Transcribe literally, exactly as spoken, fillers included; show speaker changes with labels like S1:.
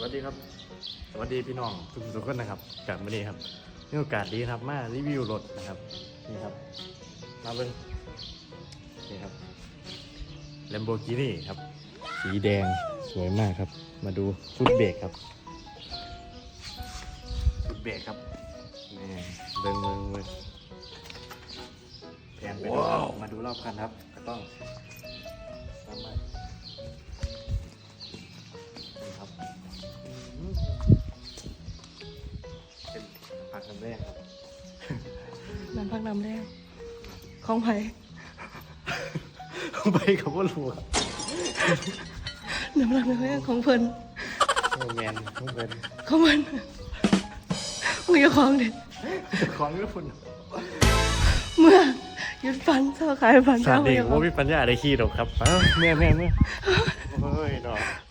S1: สดีครับสวัสดีพี่น้องทุกทุกคนนะครับจากวันนี้ครับมีโอกาสดีครับมารีวิวรถนะครับนี่ครับมาเบิ้งนี่ครับ Lamborghini ครับสีแดงสวยมากครับมาดูฟุตเบรกครับฟุตเบรกครับนี่เบิ้งเบิ้งเบิ้งแผนไปดูมาดูรอบคันครับก็ต้องทำมานี่ครับเป็นพักคำแรกครับ
S2: น้ำพักน้ำแรงของไผ่
S1: ไปกับว่ารัว
S2: น้ำพักน้ำแรงของเพิ่น
S1: โมแมนทุกคน
S2: ของมันมึงอย่าของเด็ด
S1: ของทุกคน
S2: เมื่อหยุดฟันเศร้าขายฟัน
S1: สา
S2: เศร้า
S1: เด็ก
S2: อย่าขอ
S1: ว่าง มีปัญญาได้ขี่หรอกครับอ้าวเมื่อแม่เมื่อโอ้ยดอก